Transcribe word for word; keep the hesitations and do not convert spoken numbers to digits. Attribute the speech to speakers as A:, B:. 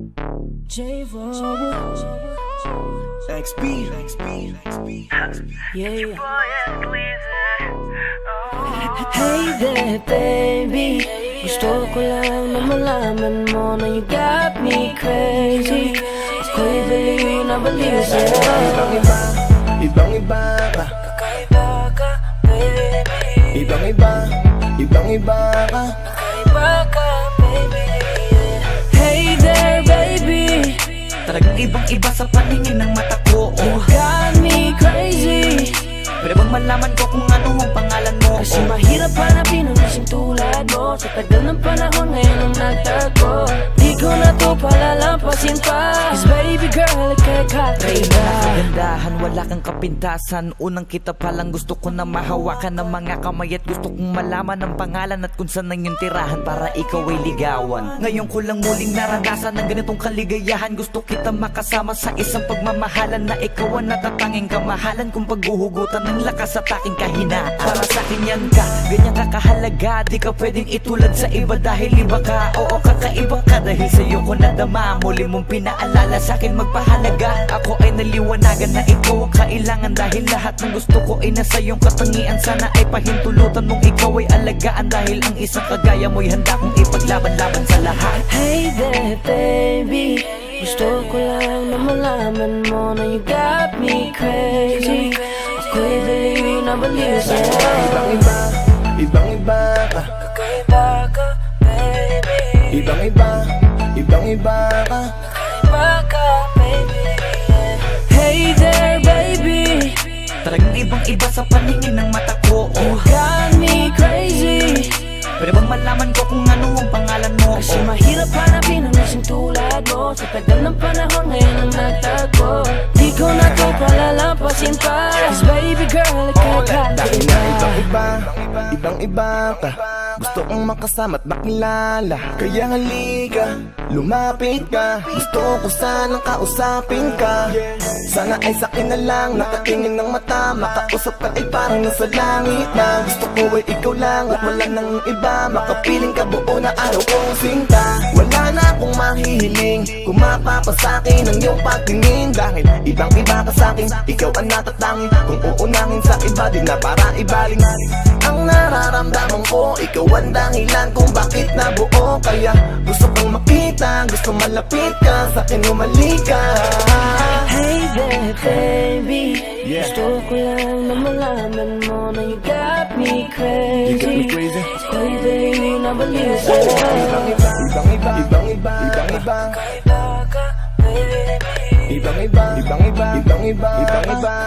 A: X B, X B, X B.
B: Yeah. Hey there, baby. Gusto ko lang na malaman mo na you got me crazy. Ako'y baliw na baliw sa'yo.
A: Ibang iba, ibang iba ka.
B: Kakaiba ka, baby.
A: Ibang iba, ibang iba ka.
B: Kakaiba ka, baby. Hey there, baby.
C: Talagang ibang iba sa paningin ng mata ko.
B: You got me crazy.
C: Pwede bang malaman ko kung ano ang pangalan mo?
B: Kasi mahirap hanapin ang kasing tulad mo. Sa tagal ng panahon ngayon ang nagtago. Di ko na to palalampasin pa. Cause baby girl, ika'y kakaiba.
C: Kagandahan, wala kang kapintasan. Unang kita palang gusto ko na mahawakan ng mga kamay. At gusto kong malaman ang pangalan at kung saan ang iyong tirahan para ikaw ay ligawan. Ngayon ko lang muling naranasan ng ganitong kaligayahan. Gusto kita makasama sa isang pagmamahalan na ikaw ang natatanging kamahalan kung paghuhugutan ng lakas at aking kahinaan. Para sa akin yan ka, ganyan ka kahalaga. Di ka pwedeng itulad sa iba dahil iba ka. Oo, kakaiba ka dahil sa'yo ko nadama. Muli mong pinaalala sa akin magpahalaga. Ako ay naliwanagan na ikaw ang kailangan. Dahil lahat ng gusto ko ay nasa iyong katangian. Sana ay pahintulutan mong ikaw ay alagaan. Dahil ang isang kagaya mo'y handa kong ipaglaban-laban sa lahat.
B: Hey there, baby. Gusto ko lang na malaman mo na you got me crazy. Ako'y baliw na baliw sa'yo.
A: Ibang iba, ibang iba ka.
B: Kakaiba ka, baby.
A: Ibang iba, ibang iba ka.
B: Kakaiba ka, baby. Hey there, baby.
C: Talagang ibang iba sa paningin ng mata ko.
B: You got me crazy.
C: Pwede bang malaman ko kung ano ang pangalan mo?
B: Kasi mahirap hanapin ang isang tulad mo. Sa tagal ng panahon ngayon ang nagtago. Di ko na to palalampasin pa. Cause baby girl, ika'y
A: Dahil na ibang
B: kakaiba.
A: iba, ibang iba ka. Gusto kong makasama at makilala. Kaya halika, lumapit ka. Gusto ko sanang kausapin ka. Sana ay sakin na lang, nakatingin ng mata. Makausap ka ay parang nasa langit na. Gusto ko ay ikaw lang at wala nang iba. Makapiling ka buo na araw kong sinta. Wala na akong mahihiling kung mapapasakin ang iyong pagtingin. Dahil ibang iba ka sakin, ikaw ang natatangin. Kung uunangin sa iba, di na para ibaling. Ang nararamdaman ko, ikaw ang dahilan kung bakit nabuo. Kaya gusto kong makita, gusto malapit ka, sakin umalik ka.
B: Hey there, baby.
A: Yeah.
B: Gusto ko lang na malaman mo na you got me crazy.
A: You got me crazy.
B: Ako'y baliw na baliw sa'yo.
A: Ibang iba, ibang iba, ibang iba, ibang iba.
B: Kakaiba ka, baby.
A: Ibang iba, ibang iba, ibang iba, ibang iba.